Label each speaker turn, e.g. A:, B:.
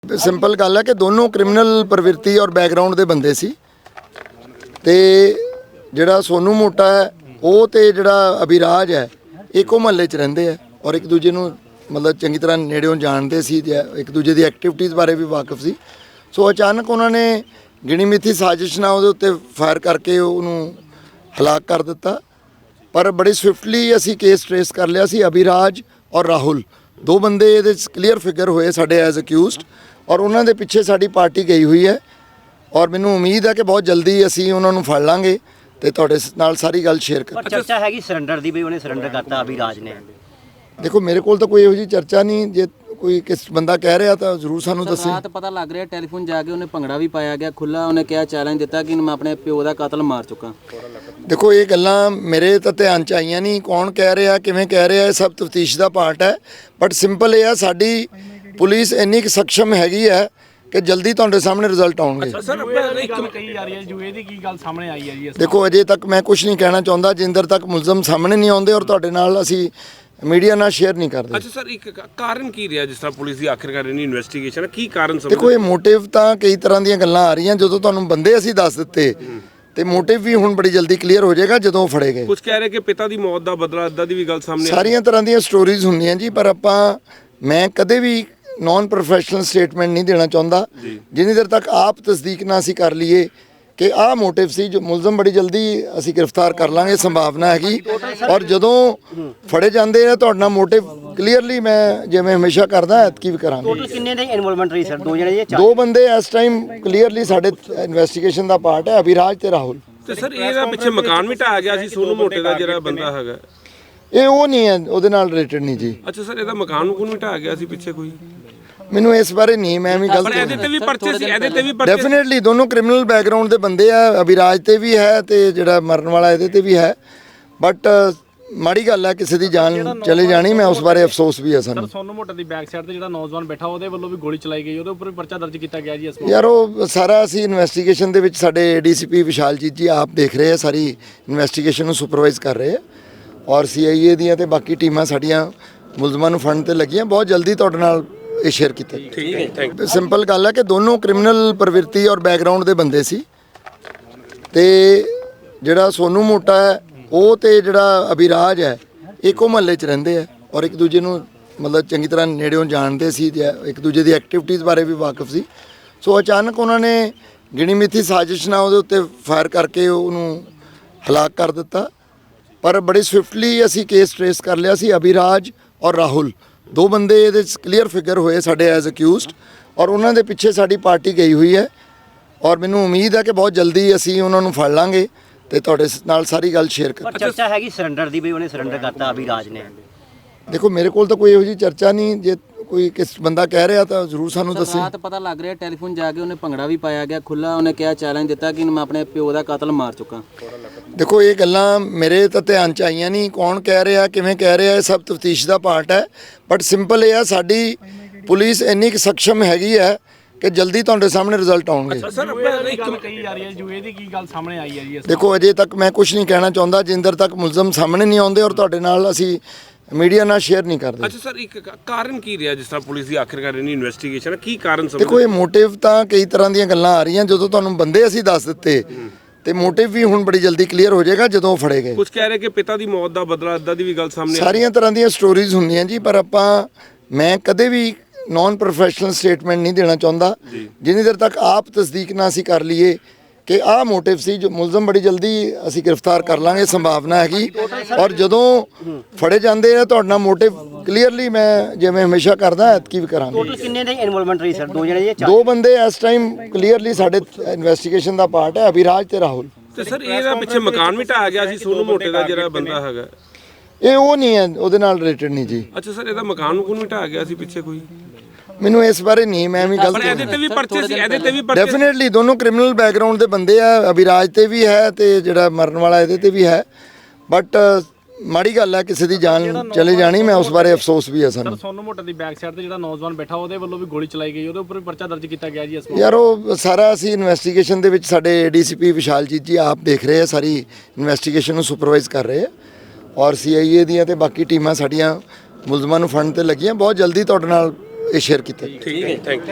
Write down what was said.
A: Simple ਗੱਲ ਹੈ ਕਿ ਦੋਨੋਂ ਕ੍ਰਿਮੀਨਲ ਪ੍ਰਵਿਰਤੀ ਔਰ ਬੈਕਗ੍ਰਾਉਂਡ ਦੇ ਬੰਦੇ ਸੀ ਤੇ ਜਿਹੜਾ ਸੋਨੂ ਮੋਟਾ ਹੈ ਉਹ ਤੇ ਜਿਹੜਾ ਅਭਿਰਾਜ ਹੈ ਇੱਕੋ ਮਹੱਲੇ 'ਚ ਰਹਿੰਦੇ ਆ ਔਰ ਇੱਕ ਦੂਜੇ ਨੂੰ ਮਤਲਬ ਚੰਗੀ ਤਰ੍ਹਾਂ ਨੇੜਿਓਂ ਜਾਣਦੇ ਸੀ ਤੇ ਇੱਕ ਦੂਜੇ ਦੀ ਐਕਟੀਵਿਟੀਜ਼ ਬਾਰੇ ਵੀ ਵਾਕਿਫ ਸੀ। ਸੋ ਅਚਾਨਕ ਉਹਨਾਂ ਨੇ ਗਿਣੀ ਮਿੱਥੀ ਸਾਜ਼ਿਸ਼ ਨਾਲ ਉਹਦੇ ਉੱਤੇ ਫਾਇਰ ਕਰਕੇ ਉਹਨੂੰ ਹਲਾਕ ਕਰ ਦਿੱਤਾ। ਪਰ ਬੜੀ ਸਵਿਫਟਲੀ ਅਸੀਂ ਕੇਸ ਟ੍ਰੇਸ ਕਰ ਲਿਆ ਸੀ। ਅਭਿਰਾਜ ਔਰ ਰਾਹੁਲ ਦੋ ਬੰਦੇ ਇਹਦੇ 'ਚ ਕਲੀਅਰ ਫਿਗਰ ਹੋਏ ਸਾਡੇ ਐਜ਼ ਅਕਿਊਜ਼ਡ ਔਰ ਉਹਨਾਂ ਦੇ ਪਿੱਛੇ ਸਾਡੀ ਪਾਰਟੀ ਗਈ ਹੋਈ ਹੈ ਔਰ ਮੈਨੂੰ ਉਮੀਦ ਹੈ ਕਿ ਬਹੁਤ ਜਲਦੀ ਅਸੀਂ ਉਹਨਾਂ ਨੂੰ ਫੜ ਲਾਂਗੇ ਤੇ ਤੁਹਾਡੇ ਨਾਲ ਸਾਰੀ ਗੱਲ ਸ਼ੇਅਰ ਕਰਾਂਗੇ।
B: ਚਰਚਾ ਹੈਗੀ ਸਰੈਂਡਰ ਦੀ ਵੀ ਉਹਨੇ ਸਰੈਂਡਰ ਕਰਤਾ ਅਭਿਰਾਜ ਨੇ।
A: ਦੇਖੋ ਮੇਰੇ ਕੋਲ ਤਾਂ ਕੋਈ ਇਹੋ ਜਿਹੀ ਚਰਚਾ ਨਹੀਂ, ਜੇ ਕੋਈ ਕਿਸ ਬੰਦਾ ਕਹਿ ਰਿਹਾ ਤਾਂ ਜ਼ਰੂਰ ਸਾਨੂੰ ਦੱਸੇ।
C: ਰਾਤ ਪਤਾ ਲੱਗ ਰਿਹਾ ਟੈਲੀਫੋਨ ਜਾ ਕੇ ਉਹਨੇ ਭੰਗੜਾ ਵੀ ਪਾਇਆ ਗਿਆ ਖੁੱਲਾ, ਉਹਨੇ ਕਿਹਾ ਚੈਲੰਜ ਦਿੱਤਾ ਕਿ ਮੈਂ ਆਪਣੇ ਪਿਓ ਦਾ ਕਤਲ ਮਾਰ ਚੁੱਕਾ।
A: ਦੇਖੋ ਇਹ ਗੱਲਾਂ ਮੇਰੇ ਤਾਂ ਧਿਆਨ 'ਚ ਆਈਆਂ ਨਹੀਂ, ਕੌਣ ਕਹਿ ਰਿਹਾ ਕਿਵੇਂ ਕਹਿ ਰਿਹਾ ਇਹ ਸਭ ਤਫਤੀਸ਼ ਦਾ ਪਾਰਟ ਹੈ। ਬਟ ਸਿੰਪਲ ਇਹ ਆ ਸਾਡੀ ਪੁਲਿਸ ਇੰਨੀ ਕੁ ਸક્ષਮ ਹੈਗੀ ਹੈ ਕਿ ਜਲਦੀ ਤੁਹਾਡੇ ਸਾਹਮਣੇ ਰਿਜ਼ਲਟ ਆਉਣਗੇ। ਦੇਖੋ ਅਜੇ ਤੱਕ ਮੈਂ ਕੁਝ ਨਹੀਂ ਕਹਿਣਾ ਚਾਹੁੰਦਾ ਜਿੰਦਰ ਤੱਕ ਮੁਲਜ਼ਮ ਸਾਹਮਣੇ ਨਹੀਂ ਆਉਂਦੇ ਔਰ ਤੁਹਾਡੇ ਨਾਲ ਅਸੀਂ ਮੀਡੀਆ ਨਾਲ ਸ਼ੇਅਰ ਨਹੀਂ ਕਰਦੇ।
D: ਅੱਛਾ ਸਰ, ਇੱਕ ਕਾਰਨ ਕੀ ਰਿਹਾ ਜਿਸ ਤਰ੍ਹਾਂ ਪੁਲਿਸ ਦੀ ਆਖਿਰਕਾਰ ਇਨੀ ਇਨਵੈਸਟੀਗੇਸ਼ਨ ਕੀ ਕਾਰਨ ਸਮਝ?
A: ਦੇਖੋ ਇਹ ਮੋਟਿਵ ਤਾਂ ਕਈ ਤਰ੍ਹਾਂ ਦੀਆਂ ਗੱਲਾਂ ਆ ਰਹੀਆਂ, ਜਦੋਂ ਤੁਹਾਨੂੰ ਬੰਦੇ ਅਸੀਂ ਦੱਸ ਦਿੱਤੇ ਤੇ ਮੋਟਿਵ ਵੀ ਹੁਣ ਬੜੀ ਜਲਦੀ ਕਲੀਅਰ ਹੋ ਜਾਏਗਾ ਜਦੋਂ ਫੜੇ ਗਏ।
D: ਕੁਝ ਕਹਿ ਰਹੇ ਕਿ ਪਿਤਾ ਦੀ ਮੌਤ ਦਾ ਬਦਲਾ ਅੱਦਾ ਦੀ ਵੀ ਗੱਲ ਸਾਹਮਣੇ
A: ਸਾਰੀਆਂ ਤਰ੍ਹਾਂ ਦੀਆਂ ਸਟੋਰੀਜ਼ ਹੁੰਦੀਆਂ ਜੀ, ਪਰ ਮੈਂ ਕਦੇ ਵੀ ਨੌਨ ਪ੍ਰੋਫੈਸ਼ਨਲ ਸਟੇਟਮੈਂਟ ਨਹੀਂ ਦੇਣਾ ਚਾਹੁੰਦਾ ਜਿੰਨੀ ਦੇਰ ਤੱਕ ਆਪ ਤਸਦੀਕ ਨਾ ਅਸੀਂ ਕਰ ਲਈਏ ਕਿ ਆਹ ਮੋਟਿਵ ਸੀ। ਜੋ ਮੁਲਜ਼ਮ ਬੜੀ ਜਲਦੀ ਅਸੀਂ ਗ੍ਰਿਫਤਾਰ ਕਰ ਲਾਂਗੇ, ਸੰਭਾਵਨਾ ਹੈਗੀ। ਔਰ ਜਦੋਂ ਫੜੇ ਜਾਂਦੇ ਆ ਤੁਹਾਡਾ ਮੋਟਿਵ ਕਲੀਅਰਲੀ ਮੈਂ ਜਿਵੇਂ ਹਮੇਸ਼ਾ ਕਰਦਾ ਐਤਕੀ ਵੀ ਕਰਾਂਗੇ।
B: ਟੋਟਲ ਕਿੰਨੇ ਦੇ ਇਨਵੋਲਵਮੈਂਟ ਰਹੀ ਸਰ? ਦੋ ਜਣੇ ਜਾਂ ਚਾਰ?
A: ਦੋ ਬੰਦੇ ਇਸ ਟਾਈਮ ਕਲੀਅਰਲੀ ਸਾਡੇ ਇਨਵੈਸਟੀਗੇਸ਼ਨ ਦਾ ਪਾਰਟ ਹੈ, ਅਭਿਰਾਜ ਤੇ ਰਾਹੁਲ।
D: ਤੇ ਸਰ ਇਹਦਾ ਪਿੱਛੇ ਮਕਾਨ ਵੀ ਢਾਇਆ ਗਿਆ ਸੀ ਸੋਨੂ ਮੋਟੇ ਦਾ ਜਿਹੜਾ ਬੰਦਾ ਹੈਗਾ,
A: ਇਹ ਉਹ ਨਹੀਂ ਹੈ, ਉਹਦੇ ਨਾਲ ਰਿਲੇਟਡ ਨਹੀਂ ਜੀ।
D: ਅੱਛਾ ਸਰ, ਇਹਦਾ ਮਕਾਨ ਵੀ ਢਾਇਆ ਗਿਆ ਸੀ ਪਿੱਛੇ ਕੋਈ?
A: ਮੈਨੂੰ ਇਸ ਬਾਰੇ ਨਹੀਂ, ਮੈਂ ਵੀ ਗਲਤ
D: ਇਹਦੇ ਤੇ ਵੀ ਪਰਚੇ ਸੀ, ਇਹਦੇ ਤੇ ਵੀ
A: ਡੈਫੀਨਿਟਲੀ ਦੋਨੋਂ ਕ੍ਰਿਮੀਨਲ ਬੈਕਗ੍ਰਾਉਂਡ ਦੇ ਬੰਦੇ ਆ। ਅਭਿਰਾਜ ਤੇ ਵੀ ਹੈ ਤੇ ਜਿਹੜਾ ਮਰਨ ਵਾਲਾ ਇਹਦੇ ਤੇ ਵੀ ਹੈ। ਬਟ ਮਾੜੀ ਗੱਲ ਹੈ ਕਿਸੇ ਦੀ ਜਾਨ ਚਲੇ ਜਾਣੀ, ਮੈਂ ਉਸ ਬਾਰੇ ਅਫਸੋਸ ਵੀ ਹੈ ਸਾਨੂੰ।
E: ਸੋਨੂ ਮੋਟੇ ਦੀ ਬੈਕ ਸਾਈਡ ਤੇ ਜਿਹੜਾ ਨੌਜਵਾਨ ਬੈਠਾ ਉਹਦੇ ਵੱਲੋਂ ਵੀ ਗੋਲੀ ਚਲਾਈ ਗਈ, ਉਹਦੇ ਉੱਪਰ ਵੀ ਪਰਚਾ ਦਰਜ ਕੀਤਾ ਗਿਆ ਜੀ ਇਸ
A: ਯਾਰ ਉਹ ਸਾਰਾ ਅਸੀਂ ਇਨਵੈਸਟੀਗੇਸ਼ਨ ਦੇ ਵਿੱਚ ਸਾਡੇ ਏਡੀਸੀਪੀ ਵਿਸ਼ਾਲਜੀਤ ਜੀ ਆਪ ਦੇਖ ਰਹੇ ਆ, ਸਾਰੀ ਇਨਵੈਸਟੀਗੇਸ਼ਨ ਨੂੰ ਸੁਪਰਵਾਈਜ਼ ਕਰ ਰਹੇ ਆ ਔਰ ਸੀਆਈਏ ਦੀਆਂ ਤੇ ਬਾਕੀ ਟੀਮਾਂ ਸਾਡੀਆਂ ਮੁਲਜ਼ਮਾਂ ਨੂੰ ਫੜਨ ਤੇ ਲੱਗੀਆਂ। ਬਹੁਤ ਜਲਦੀ ਤੁਹਾਡੇ ਨਾਲ ਇਹ ਸ਼ੇਅਰ ਕੀਤਾ।
D: ਠੀਕ ਹੈ, ਥੈਂਕ ਯੂ।
A: ਸਿੰਪਲ ਗੱਲ ਹੈ ਕਿ ਦੋਨੋਂ ਕ੍ਰਿਮੀਨਲ ਪ੍ਰਵਿਰਤੀ ਔਰ ਬੈਕਗ੍ਰਾਉਂਡ ਦੇ ਬੰਦੇ ਸੀ ਤੇ ਜਿਹੜਾ ਸੋਨੂ ਮੋਟਾ ਹੈ ਉਹ ਤੇ ਜਿਹੜਾ ਅਭਿਰਾਜ ਹੈ ਇੱਕੋ ਮਹੱਲੇ 'ਚ ਰਹਿੰਦੇ ਆ ਔਰ ਇੱਕ ਦੂਜੇ ਨੂੰ ਮਤਲਬ ਚੰਗੀ ਤਰ੍ਹਾਂ ਨੇੜਿਓਂ ਜਾਣਦੇ ਸੀ ਤੇ ਇੱਕ ਦੂਜੇ ਦੀ ਐਕਟੀਵਿਟੀਜ਼ ਬਾਰੇ ਵੀ ਵਾਕਿਫ ਸੀ। ਸੋ ਅਚਾਨਕ ਉਹਨਾਂ ਨੇ ਗਿਣੀ ਮਿੱਥੀ ਸਾਜ਼ਿਸ਼ ਨਾਲ ਉਹਦੇ ਉੱਤੇ ਫਾਇਰ ਕਰਕੇ ਉਹਨੂੰ ਹਲਾਕ ਕਰ ਦਿੱਤਾ। ਪਰ ਬੜੀ ਸਵਿਫਟਲੀ ਅਸੀਂ ਕੇਸ ਟ੍ਰੇਸ ਕਰ ਲਿਆ ਸੀ। ਅਭਿਰਾਜ ਔਰ ਰਾਹੁਲ ਦੋ ਬੰਦੇ ਇਹਦੇ 'ਚ ਕਲੀਅਰ ਫਿਗਰ ਹੋਏ ਸਾਡੇ ਐਜ਼ ਅਕਿਊਜ਼ਡ ਔਰ ਉਹਨਾਂ ਦੇ ਪਿੱਛੇ ਸਾਡੀ ਪਾਰਟੀ ਗਈ ਹੋਈ ਹੈ ਔਰ ਮੈਨੂੰ ਉਮੀਦ ਹੈ ਕਿ ਬਹੁਤ ਜਲਦੀ ਅਸੀਂ ਉਹਨਾਂ ਨੂੰ ਫੜ ਲਾਂਗੇ ਤੇ ਤੁਹਾਡੇ ਨਾਲ ਸਾਰੀ ਗੱਲ ਸ਼ੇਅਰ ਕਰਾਂਗੇ।
B: ਚਰਚਾ ਹੈਗੀ ਸਰੈਂਡਰ ਦੀ ਵੀ ਉਹਨੇ ਸਰੈਂਡਰ ਕਰਤਾ ਅਭਿਰਾਜ ਨੇ।
A: ਦੇਖੋ ਮੇਰੇ ਕੋਲ ਤਾਂ ਕੋਈ ਇਹੋ ਜਿਹੀ ਚਰਚਾ ਨਹੀਂ, ਜੇ ਕੋਈ ਕਿਸ ਬੰਦਾ ਕਹਿ ਰਿਹਾ ਤਾਂ ਜ਼ਰੂਰ ਸਾਨੂੰ ਦੱਸੇ।
C: ਰਾਤ ਪਤਾ ਲੱਗ ਰਿਹਾ ਟੈਲੀਫੋਨ ਜਾ ਕੇ ਉਹਨੇ ਭੰਗੜਾ ਵੀ ਪਾਇਆ ਗਿਆ ਖੁੱਲਾ, ਉਹਨੇ ਕਿਹਾ ਚੈਲੰਜ ਦਿੱਤਾ ਕਿ ਮੈਂ ਆਪਣੇ ਪਿਓ ਦਾ ਕਤਲ ਮਾਰ ਚੁੱਕਾ।
A: ਦੇਖੋ ਇਹ ਗੱਲਾਂ ਮੇਰੇ ਤਾਂ ਧਿਆਨ 'ਚ ਆਈਆਂ ਨਹੀਂ, ਕੌਣ ਕਹਿ ਰਿਹਾ ਕਿਵੇਂ ਕਹਿ ਰਿਹਾ ਇਹ ਸਭ ਤਫਤੀਸ਼ ਦਾ ਪਾਰਟ ਹੈ। ਬਟ ਸਿੰਪਲ ਇਹ ਆ ਸਾਡੀ ਪੁਲਿਸ ਇੰਨੀ ਕੁ ਸક્ષਮ ਹੈਗੀ ਹੈ ਕਿ ਜਲਦੀ ਤੁਹਾਡੇ ਸਾਹਮਣੇ ਰਿਜ਼ਲਟ ਆਉਣਗੇ।
E: ਸਰ ਕਹੀ ਜਾ ਰਹੀ ਹੈ ਜੂਏ ਦੀ ਕੀ ਗੱਲ ਸਾਹਮਣੇ ਆਈ ਹੈ ਜੀ?
A: ਦੇਖੋ ਅਜੇ ਤੱਕ ਮੈਂ ਕੁਝ ਨਹੀਂ ਕਹਿਣਾ ਚਾਹੁੰਦਾ ਜਿੰਦਰ ਤੱਕ ਮੁਲਜ਼ਮ ਸਾਹਮਣੇ ਨਹੀਂ ਆਉਂਦੇ ਔਰ ਤੁਹਾਡੇ ਨਾਲ ਅਸੀਂ ਮੀਡੀਆ ਨਾਲ ਸ਼ੇਅਰ ਨਹੀਂ ਕਰਦੇ।
D: ਅੱਛਾ ਸਰ, ਇੱਕ ਕਾਰਨ ਕੀ ਰਿਹਾ ਜਿਸ ਤਰ੍ਹਾਂ ਪੁਲਿਸ ਦੀ ਆਖਿਰਕਾਰ ਇਨੀ ਇਨਵੈਸਟੀਗੇਸ਼ਨ ਕੀ ਕਾਰਨ ਸਮਝ?
A: ਦੇਖੋ ਇਹ ਮੋਟਿਵ ਤਾਂ ਕਈ ਤਰ੍ਹਾਂ ਦੀਆਂ ਗੱਲਾਂ ਆ ਰਹੀਆਂ, ਜਦੋਂ ਤੁਹਾਨੂੰ ਬੰਦੇ ਅਸੀਂ ਦੱਸ ਦਿੱਤੇ ਤੇ ਮੋਟਿਵ ਵੀ ਹੁਣ ਬੜੀ ਜਲਦੀ ਕਲੀਅਰ ਹੋ ਜਾਏਗਾ ਜਦੋਂ ਫੜੇ ਗਏ।
D: ਕੁਝ ਕਹਿ ਰਹੇ ਕਿ ਪਿਤਾ ਦੀ ਮੌਤ ਦਾ ਬਦਲਾ ਅੱਦਾ ਦੀ ਵੀ ਗੱਲ ਸਾਹਮਣੇ
A: ਸਾਰੀਆਂ ਤਰ੍ਹਾਂ ਦੀਆਂ ਸਟੋਰੀਜ਼ ਹੁੰਦੀਆਂ ਜੀ, ਪਰ ਮੈਂ ਕਦੇ ਵੀ ਨੌਨ ਪ੍ਰੋਫੈਸ਼ਨਲ ਸਟੇਟਮੈਂਟ ਨਹੀਂ ਦੇਣਾ ਚਾਹੁੰਦਾ ਜਿੰਨੀ ਦੇਰ ਤੱਕ ਆਪ ਤਸਦੀਕ ਨਾ ਅਸੀਂ ਕਰ ਲਈਏ ਕਿ ਆਹ ਮੋਟਿਵ ਸੀ। ਜੋ ਮੁਲਜ਼ਮ ਬੜੀ ਜਲਦੀ ਅਸੀਂ ਗ੍ਰਿਫਤਾਰ ਕਰ ਲਾਂਗੇ, ਸੰਭਾਵਨਾ ਹੈਗੀ। ਔਰ ਜਦੋਂ ਫੜੇ ਜਾਂਦੇ ਆ ਤੁਹਾਡਾ ਮੋਟਿਵ ਕਲੀਅਰਲੀ ਮੈਂ ਜਿਵੇਂ ਹਮੇਸ਼ਾ ਕਰਦਾ ਐਤਕੀ ਵੀ ਕਰਾਂਗੇ।
B: ਟੋਟਲ ਕਿੰਨੇ ਦੇ ਇਨਵੋਲਵਮੈਂਟ ਰਹੀ ਸਰ? ਦੋ ਜਣੇ ਜਾਂ ਚਾਰ?
A: ਦੋ ਬੰਦੇ ਇਸ ਟਾਈਮ ਕਲੀਅਰਲੀ ਸਾਡੇ ਇਨਵੈਸਟੀਗੇਸ਼ਨ ਦਾ ਪਾਰਟ ਹੈ, ਅਭਿਰਾਜ ਤੇ ਰਾਹੁਲ।
D: ਤੇ ਸਰ ਇਹਦਾ ਪਿੱਛੇ ਮਕਾਨ ਵੀ ਢਾਇਆ ਗਿਆ ਸੀ ਸੋਨੂ ਮੋਟੇ ਦਾ ਜਿਹੜਾ ਬੰਦਾ ਹੈਗਾ,
A: ਇਹ ਉਹ ਨਹੀਂ ਹੈ, ਉਹਦੇ ਨਾਲ ਰਿਲੇਟਡ ਨਹੀਂ ਜੀ।
D: ਅੱਛਾ ਸਰ, ਇਹਦਾ ਮਕਾਨ ਵੀ ਢਾਇਆ ਗਿਆ ਸੀ ਪਿੱਛੇ ਕੋਈ?
A: ਮੈਨੂੰ ਇਸ ਬਾਰੇ ਨਹੀਂ, ਮੈਂ ਵੀ ਗਲਤ
D: ਇਹਦੇ ਤੇ ਵੀ ਪਰਚੇ ਸੀ, ਇਹਦੇ ਤੇ ਵੀ
A: ਡੈਫੀਨਿਟਲੀ ਦੋਨੋਂ ਕ੍ਰਿਮੀਨਲ ਬੈਕਗ੍ਰਾਉਂਡ ਦੇ ਬੰਦੇ ਆ। ਅਭਿਰਾਜ ਤੇ ਵੀ ਹੈ ਤੇ ਜਿਹੜਾ ਮਰਨ ਵਾਲਾ ਇਹਦੇ ਤੇ ਵੀ ਹੈ। ਬਟ ਮਾੜੀ ਗੱਲ ਹੈ ਕਿਸੇ ਦੀ ਜਾਨ ਚਲੇ ਜਾਣੀ, ਮੈਂ ਉਸ ਬਾਰੇ ਅਫਸੋਸ ਵੀ ਹੈ ਸਾਨੂੰ।
E: ਸੋਨੂ ਮੋਟੇ ਦੀ ਬੈਕ ਸਾਈਡ ਤੇ ਜਿਹੜਾ ਨੌਜਵਾਨ ਬੈਠਾ ਉਹਦੇ ਵੱਲੋਂ ਵੀ ਗੋਲੀ ਚਲਾਈ ਗਈ, ਉਹਦੇ ਉੱਪਰ ਵੀ ਪਰਚਾ ਦਰਜ ਕੀਤਾ ਗਿਆ ਜੀ ਇਸ
A: ਯਾਰ ਉਹ ਸਾਰਾ ਅਸੀਂ ਇਨਵੈਸਟੀਗੇਸ਼ਨ ਦੇ ਵਿੱਚ ਸਾਡੇ ਏਡੀਸੀਪੀ ਵਿਸ਼ਾਲਜੀਤ ਜੀ ਆਪ ਦੇਖ ਰਹੇ ਆ, ਸਾਰੀ ਇਨਵੈਸਟੀਗੇਸ਼ਨ ਨੂੰ ਸੁਪਰਵਾਈਜ਼ ਕਰ ਰਹੇ ਆ ਔਰ ਸੀਆਈਏ ਦੀਆਂ ਤੇ ਬਾਕੀ ਟੀਮਾਂ ਸਾਡੀਆਂ ਮੁਲਜ਼ਮਾਂ ਨੂੰ ਫੜਨ ਤੇ ਲੱਗੀਆਂ। ਬਹੁਤ ਜਲਦੀ ਤੁਹਾਡੇ ਨਾਲ ਇਹ ਸ਼ੇਅਰ ਕੀਤਾ।
D: ਠੀਕ ਹੈ, ਥੈਂਕ ਯੂ।